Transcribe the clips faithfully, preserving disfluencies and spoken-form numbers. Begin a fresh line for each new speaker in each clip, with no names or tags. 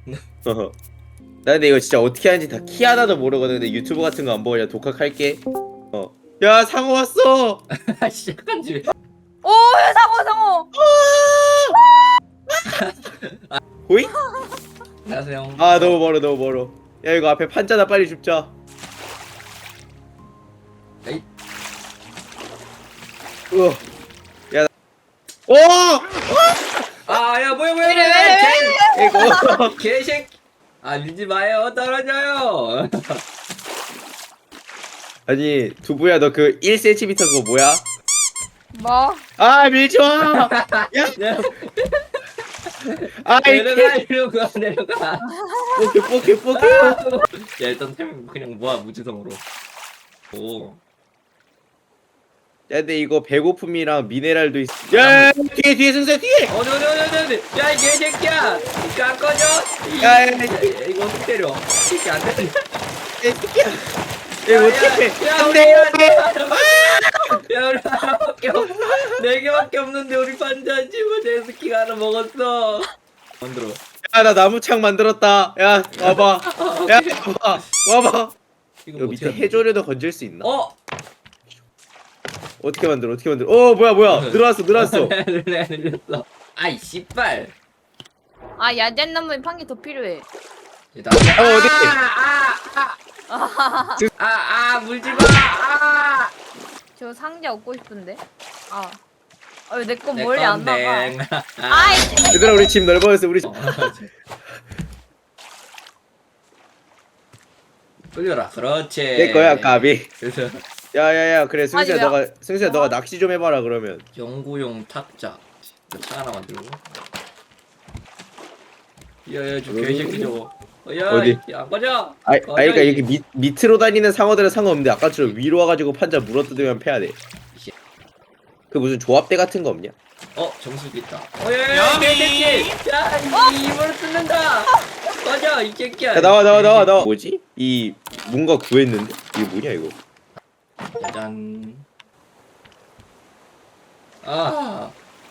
어허. 나 근데 이거 진짜 어떻게 하는지 다 키 하나도 모르거든. 근데 유튜브 같은 거 안 보고 그냥 독학할게. 어. 야 상어 왔어.
시작한지.
오, 상어, 상어.
보이?
안녕하세요.
아 너무 멀어 너무 멀어. 야 이거 앞에 판자나 빨리 줍자.
에이.
우와. 야. 오!
아야 뭐야 뭐야
왜, 왜,
뭐야.
이거.
개 개새끼. 아 밀지 마요 떨어져요.
아니 두부야 너 그 일 센티미터 그거 뭐야?
뭐?
아 밀지 마. 야. 아
내려가
이게
내려가 내려가.
뽀개 뽀개 뽀개.
야 일단 템 그냥 모아 무지성으로. 오.
야 근데 이거 배고픔이랑 미네랄도 있어. 야 뒤에 뒤에 승세 뒤에.
어디 어디 어디 어디 어디. 야이 개새끼야. 이거 안 꺼져. 이-
야, 야, 야.
야, 야, 이거 어떻게 때려? 이게 안 때려.
야 새끼야. 야 이거 어떻게 해?
야,
안돼.
야, 우리 하나밖에 없, 네 개밖에 없는데 우리 반자 지금 제스키가 하나 먹었어. 만들어.
야나 나무창 만들었다. 야 와봐. 야 와봐. 와봐.
이거
여기
뭐
밑에
어떻게
해조류도 건질 수 있나?
어?
어떻게 만들어? 어떻게 만들어? 어 뭐야 뭐야 늘어났어 늘어났어.
늘려 늘렸어. 아이 씨발.
아, 야젠 나무에 판기 더 필요해.
나.
어, 어디?
아아아아아 물지 마. 아.
저 상자 얻고 싶은데. 아. 아, 왜 내 거
내
멀리 안 나가?
건데.
아이,
얘들아 우리 집 넓어졌어 우리 집.
돌려라. 그렇지.
내 거야 까비.
그래서
야야야 그래 승수야
아니, 왜-
너가 승수야 너가
어?
낚시 좀 해봐라 그러면.
연구용 탁자. 차 하나 만들고. 야야 저
어디?
개새끼 저거. 어, 야,
어디?
야, 꺼져.
아이
꺼져,
아이가
이-
이렇게 밑 밑으로 다니는 상어들은 상관없는데 아까처럼 위로 와가지고 판자 물어뜯으면 패야 돼. 그 무슨 조합대 같은 거 없냐?
어 정수기 있다. 어야야 개새끼. 야 이- 입으로 뜯는다. 꺼져 이 새끼야.
야 나와 나와 나와 나와. 뭐지? 이 뭔가 구했는데 이게 뭐냐 이거?
짠. 아.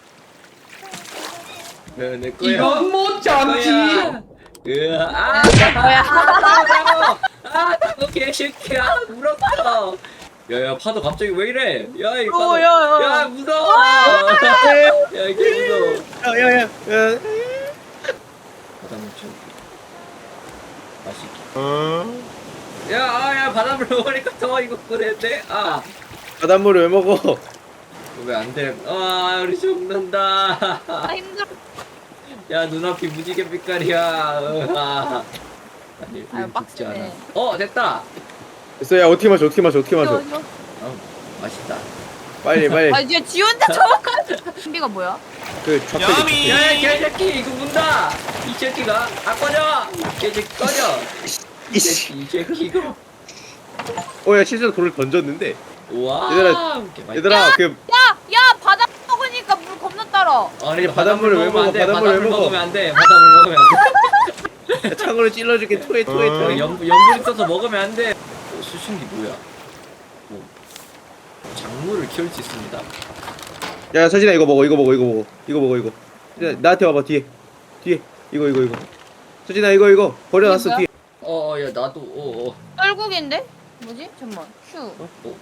네, 내 거야.
이건 못 참지.
으아, 아,
뭐야?
아, 아, 나도 개새끼야. 물었어. 야야 파도 갑자기 왜 이래? 야이 파도.
어, 야, 야.
야 무서워. 야 이게 무서워.
야야야 야.
바닷물 좀 맛있게. 야, 아, 야, 바닷물 먹으니까 더 이거 그랬네. 아,
바닷물을 왜 먹어?
왜 안 돼? 아, 우리 죽는다.
아, 힘들어.
야, 눈앞이 무지개 빛깔이야. 으아. 아니,
아유,
우린 죽지 않아.
빡세네.
어, 됐다.
됐어 야 어떻게 마셔 어떻게 마셔 어떻게 마셔?
이거, 이거.
어, 맛있다.
빨리 빨리.
아, 이제 지 혼자 저거까지. 신비가 뭐야?
그 좌표
야, 야, 개새끼, 이거 문다. 이 새끼가, 아, 꺼져. 개새끼 꺼져. 이
이씨.
새끼, 이 새끼 이거.
어야 실제로 돌을 던졌는데.
우와.
얘들아,
이렇게 맛있-
얘들아 그
야, 야, 바다 먹으니까 물 겁나 따라.
아니
바닷물을
바닷물
왜
먹으면 안
먹어?
돼.
바닷물을
바닷물
왜 먹어?
먹으면 안 돼. 바닷물 먹으면 안 돼.
창으로 찔러줄게 토해 토해
어,
토해.
연, 연분 있어서 먹으면 안 돼. 어, 수신기 뭐야? 뭐, 작물을 키울 수 있습니다.
야 서진아 이거 먹어 이거 먹어 이거 먹어 이거 먹어 이거. 서진아, 나한테 와봐 뒤에 뒤에 이거 이거 이거. 서진아 이거 이거 버려놨어
이게
뒤에.
어, 야 나도 어, 어.
떨국인데? 뭐지? 잠만. 휴.
어.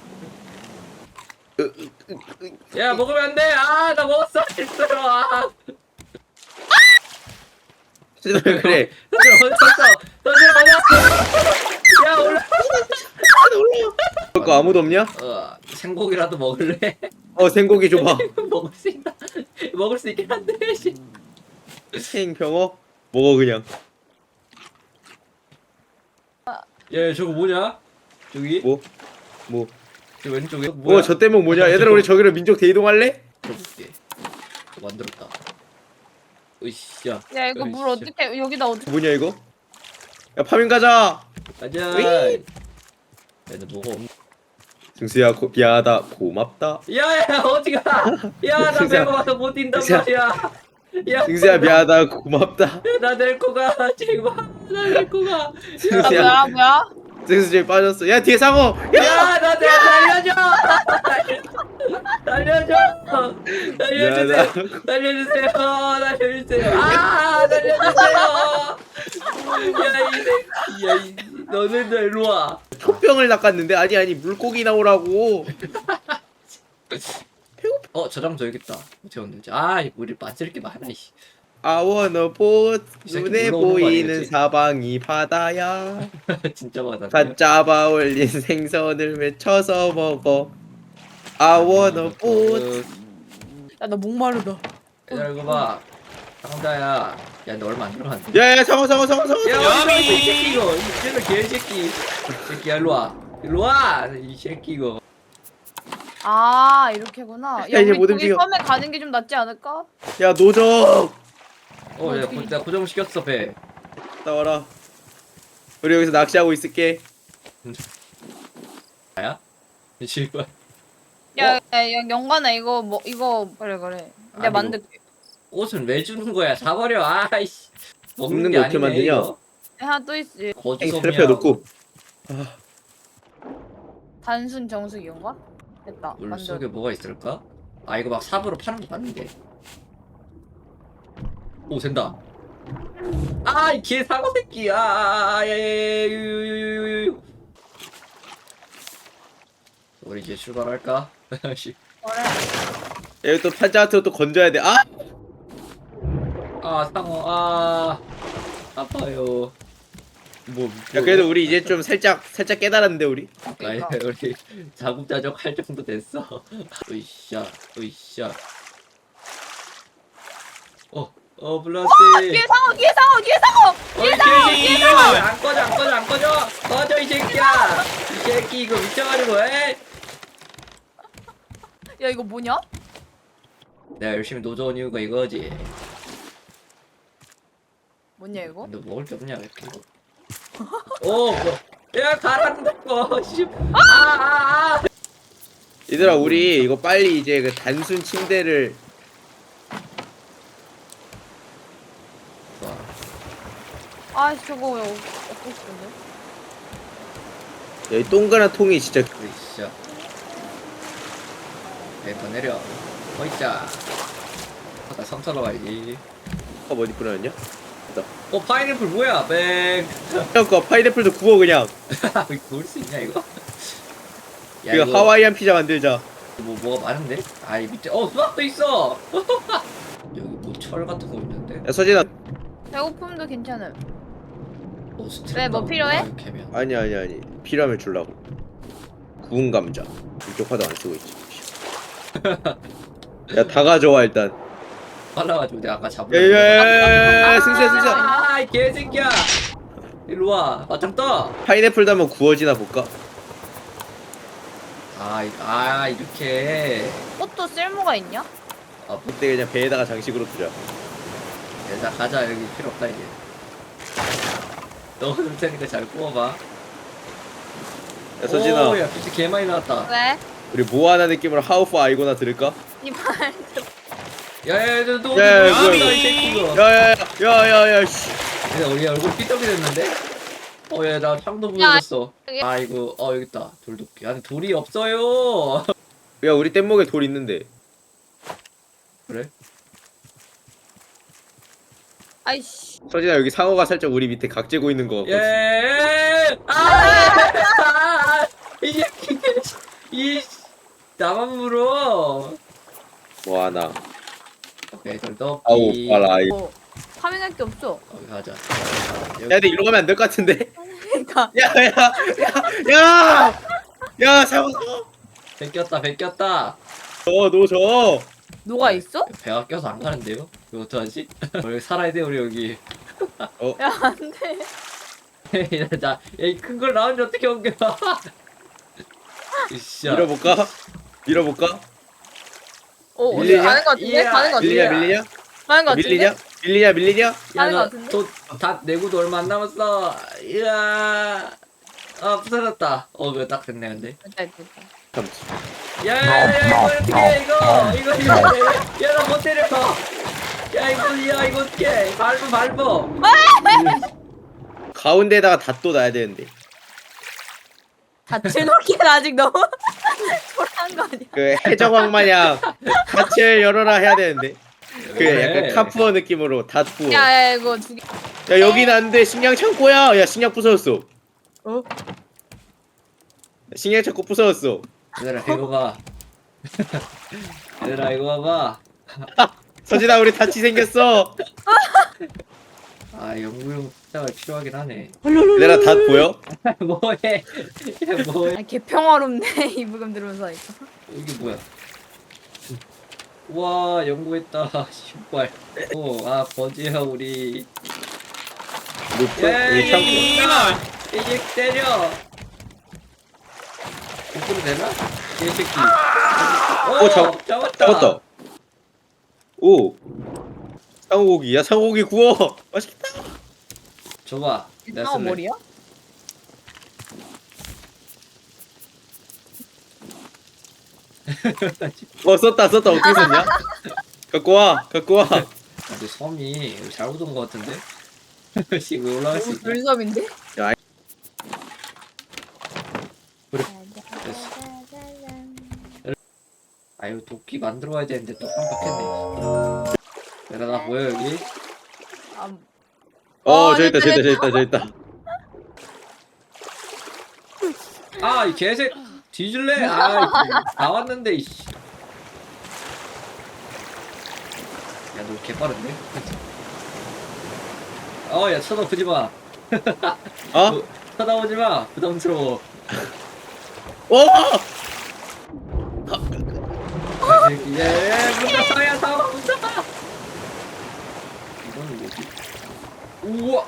야 먹으면 안 돼. 아, 나 먹었어. 실수로. 아.
서진아 왜 그래?
던져 어딨어? 던져 어딨어? 야 올라.
먹을 거 아무도 없냐?
어, 생고기라도 먹을래?
어 생고기 줘봐.
먹을 수 있다. 먹을 수 있긴 한데. 씨.
생병어 먹어 그냥.
야, 저거 뭐냐? 저기?
뭐 뭐.
저 왼쪽에 뭐야?
어 저 대목 뭐냐? 얘들아 우리 저기로 민족 대이동할래?
들어볼게. 저 만들었다. 으쌰.
야, 이거 물
으쌰.
어떻게, 여기다 어떻게.
뭐냐 이거? 야 파밍 가자.
가자.
으이.
얘는 뭐가 없.
승수야 고, 미안하다 고맙다.
야야 어디가? 야나
승수야.
배고파서 못 뛴단
승수야.
말이야. 야
승수야 미안하다 고맙다.
나 데리고 가 제발 나 데리고 가.
아,
승수야
뭐야, 뭐야?
승수 저기 빠졌어. 야 뒤에 상어. 야.
야나 살려줘. 살려줘. 살려주세요.
미안하다.
살려주세요. 살려주세요. 아 살려주세요. 너네들 일로 와.
촉병을 낚았는데 아니 아니 물고기 나오라고.
어 저장 줘야겠다. 어떻게 만들지? 아 우리 만질 게 많아. 이씨.
I wanna boat.
이 새끼
눈에
올라오는 거
보이는
아니겠지?
사방이 바다야.
진짜 많아.
갓 잡아 올린 생선을 맺혀서 먹어. I wanna boat.
야 나 목마르다.
야 이거 봐. 상자야. 야 너 얼마 안 들어갔는데?
야야 상어 상어 상어 상어.
야
상어.
어디 이 새끼 이거. 이 쟤는 개새끼. 이 새끼야 일로 와. 일로 와. 이 새끼 이거.
아 이렇게구나.
야,
야
이제
우리
못
거기
움직여.
섬에 가는 게 좀 낫지 않을까?
야 노적.
어, 야, 고, 나 고정 시켰어 배.
나와라. 우리 여기서 낚시하고 있을게.
나야? 이 씨발.
야, 야, 야 영관아 이거 뭐 이거 그래 그래. 내가
아니,
만들게.
옷은 왜 주는 거야? 사버려. 아이씨.
먹는
먹는 게
거 어떻게
아니네,
만드냐?
이거.
하나 또 있지.
거주섬이야.
테레피아 놓고.
단순 정수기인가? 됐다.
물
만들어.
속에 뭐가 있을까? 아 이거 막 삽으로 파는 거 봤는데. 오 된다. 아이 개 사고 새끼. 아예예유유유유. 우리 이제 출발할까? 씨.
그래.
여기 또 판자한테 또 건져야 돼. 아!
아 상어 아 아파요. 뭐
야 그래도 우리 이제 좀 살짝 살짝 깨달았는데 우리.
아니 우리 자급자족 할 정도 됐어. 으쌰 으쌰. 어어 블라스.
뒤에 상어 뒤에 상어 뒤에 상어.
어이 개새끼 안 꺼져 안 꺼져 안 꺼져 꺼져 이 새끼야. 이 새끼 이거 미쳐가지고 에?
야 이거 뭐냐?
내가 열심히 노져온 이유가 이거지.
뭐냐 이거?
너 먹을 게 없냐 이렇게. 오 뭐. 야 가란다고 씨. 아아 아.
얘들아 우리 이거 빨리 이제 그 단순 침대를
아 저거 왜 없- 없고 싶은데?
여기 동그란 통이 진짜
으쌰. 내더 내려. 어이자. 아까 섬 타러 가야지.
컵 어디 뿌려놨냐?
어 파인애플 뭐야? 뱅.
형 거 파인애플도 구워 그냥.
구울 수 있냐 이거? 야,
이거 하와이안 피자 만들자.
뭐 뭐가 많은데? 아이 밑에 어 수박도 있어. 여기 뭐 철 같은 거 있는데?
야 서진아.
배고픔도 괜찮음.
어, 스트랩
왜, 뭐
나오는
필요해?
거야, 캐면.
아니 아니 아니 필요하면 줄라고. 구운 감자. 이쪽 화도 안 쓰고 있지. 야 다 가져와 일단.
빨라가지고 내가 아까 잡은.
야야야야야 승수야 승수야.
아이 개새끼야. 일로 와. 맞짱 떠.
파인애플도 한번 구워지나 볼까?
아, 이- 아 이렇게.
꽃도 쓸모가 있냐?
아, 뭐,
그때 그냥 배에다가 장식으로 두자.
자 가자 여기 필요 없다 이제. 넣어줄 테니까 잘 구워봐.
야 서진아
오, 야 비트 개 많이 나왔다.
왜?
우리 모아나 느낌으로 하우프 아이고나 들을까?
이발.
야야야 너
야, 야,
너
뭐야,
이
이거.
새끼 이거.
야야야야야 씨.
야 우리 얼굴 삐뚤이 됐는데? 어야 나 창도
야,
부러졌어.
여기.
아 이거 어 여기 있다. 돌도끼. 아니 돌이 없어요.
야 우리 뗏목에 돌 있는데.
그래?
아이씨.
서진아 여기 상어가 살짝 우리 밑에 각 재고 있는 거 같거든.
예. 아! 이 새끼 이 나만 물어.
모아나.
오케이 돌도끼.
아우 봐라. 이-
뭐 파밍할 게 없어.
거기 가자.
야 근데 이리로 가면 안 될 것 같은데.
그러니까.
야야야야야. 야 상어 상어.
베꼈다 베꼈다.
저너 저.
노가 있어?
배가 껴서 안 가는데요? 이거 어떡하지? 여기 살아야 돼 우리 여기.
야 안돼.
자, 큰 걸 나오는데 어떻게 옮겨? 이씨야.
밀어볼까? 밀어볼까?
어 어디
밀리냐?
가는 거 같은데?
이야,
가는 거 같은데?
밀리냐 밀리냐?
가는 거 같은데?
밀리냐? 밀리냐 밀리냐?
야,
가는 거
너,
같은데?
돈, 다 내고도 얼마 안 남았어. 이야. 아, 부서졌다. 어, 그거 딱 됐네, 근데.
됐다 됐다.
참지.
야, 야, 야, 이거 어떻게 해, 이거. 이거, 이거. 야, 나 못 때려. 야, 이거, 야, 이거 어떻게 밟어, 밟어.
가운데다가 닷도 놔야 되는데.
밭을 놓기는 아직 너무 초라한 거 아니야?
그 해적왕 마냥 밭을 열어라 해야 되는데. 그 약간
네.
카푸어 느낌으로 닷 부어. 야,
야야 이거 두 개.
여긴 안 돼. 식량 창고야. 야 식량 부서졌어.
어? 어?
신경 자꾸 부서졌어.
얘들아 이거 봐. 얘들아 이거 봐봐.
서진아 우리 다치 생겼어.
아 연구용 부탁을 필요하긴 하네.
얘들아 다 보여?
뭐해? 얘 뭐해?
아, 개 평화롭네 이 물건 들으면서 하니까.
이게 뭐야? 와 연구했다. 신발. 오아 버지야 우리.
루프? 우리 창고.
이게 때려. 거꾸로 되나? 개새끼.
오, 잡-
잡았다.
잡았다. 오. 상어고기. 야 상어고기 구워. 맛있겠다.
줘봐. 내가
상어
쓸래.
머리야?
어 썼다 썼다 어떻게 썼냐? 갖고 와 갖고 와.
근데 섬이 여기 잘못 온 것 같은데? 씨, 왜 올라갈 수
너무
있냐?
불섬인데?
아, 이거 도끼 만들어 와야 되는데 또 깜빡했네. 내가 나 보여, 여기?
아,
어
어,
저기 있다
됐다,
저기 있다 저기 있다 저기 있다.
아, 이 개새 뒤질래? 아, 다 왔는데, 이씨. 야, 너 개빠른데? 어, 야, 쳐다보지 마.
어?
너 쳐다보지 마. 부담스러워.
오!
예, 예, 문다, 야, 다 문다. 이거는 뭐지? 우와.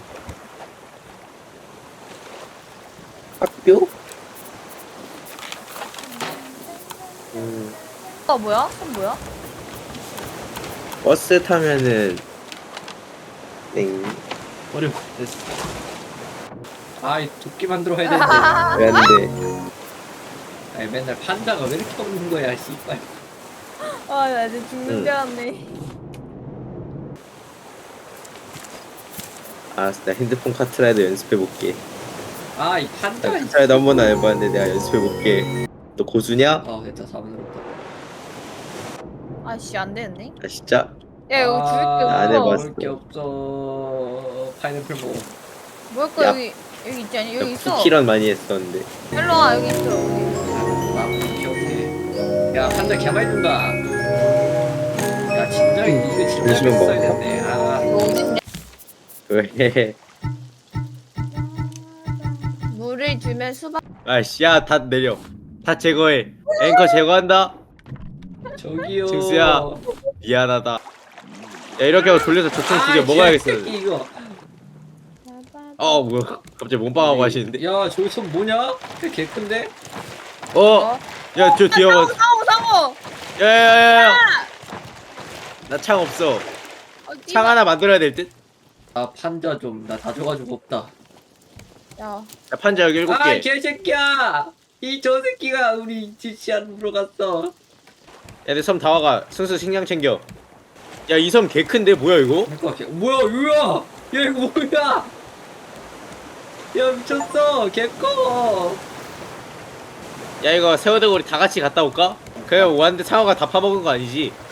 학교? 음,
어 뭐야? 손 뭐야?
버스 타면은 땡.
어려. 됐어. 아, 이 도끼 만들어 와야 되는데.
왜 안 돼?
아니, 맨날 판다가 왜 이렇게 없는 거야, 씨발.
아, 나 이제 죽는
응.
줄 알았네.
알았어 나 핸드폰 카트라이더 연습해볼게.
아, 이 판다. 이
카트라이더 한 번도 안 해봤는데 내가 연습해볼게. 너 고수냐?
아, 됐다. 사분으로다.
아씨 안 되는데?
아 진짜?
야 이거
아,
줄게
안
없어.
해봤어.
먹을 게 없어. 파인애플 먹어.
먹을 거
야.
여기 여기 있지 않니? 여기 있어.
쿠키런 많이 했었는데.
일로 와 여기 있어. 여기.
아, 오케이, 오케이. 야, 판다 개많이 준다. 야, 진작에 이거 진작에
음식은
했어야
먹을까?
됐네. 아,
이거 어딨냐?
왜?
물을 주면 수박.
아씨 야다 내려. 다 제거해. 앵커 제거한다.
저기요.
증수야. 미안하다. 야 이렇게 하고 돌려서 저총 두개 먹어야겠어.
개새끼, 이거.
어 뭐야? 갑자기 몸빵하고 하시는데?
야, 저기 손 뭐냐? 개 큰데?
어?
어?
야 저 뒤에
상어
봐.
상어 상어.
야야야야. 나 창 없어.
어,
창 하나 만들어야 될 듯?
아, 판자 좀. 나 다 줘가지고 없다.
야
야 판자 여기 일곱
아,
개.
개새끼야! 이 저 새끼가 우리 지시안으로 갔어.
야 내 섬 다 와가. 순수 식량 챙겨. 야 이 섬 개 큰데 뭐야 이거?
그러니까 개... 뭐야, 유야! 야, 이거 뭐야! 야, 미쳤어! 개꺼!
야 이거 새우대고리 다 같이 갔다 올까? 그래 왔는데 상어가 다 파먹은 거 아니지?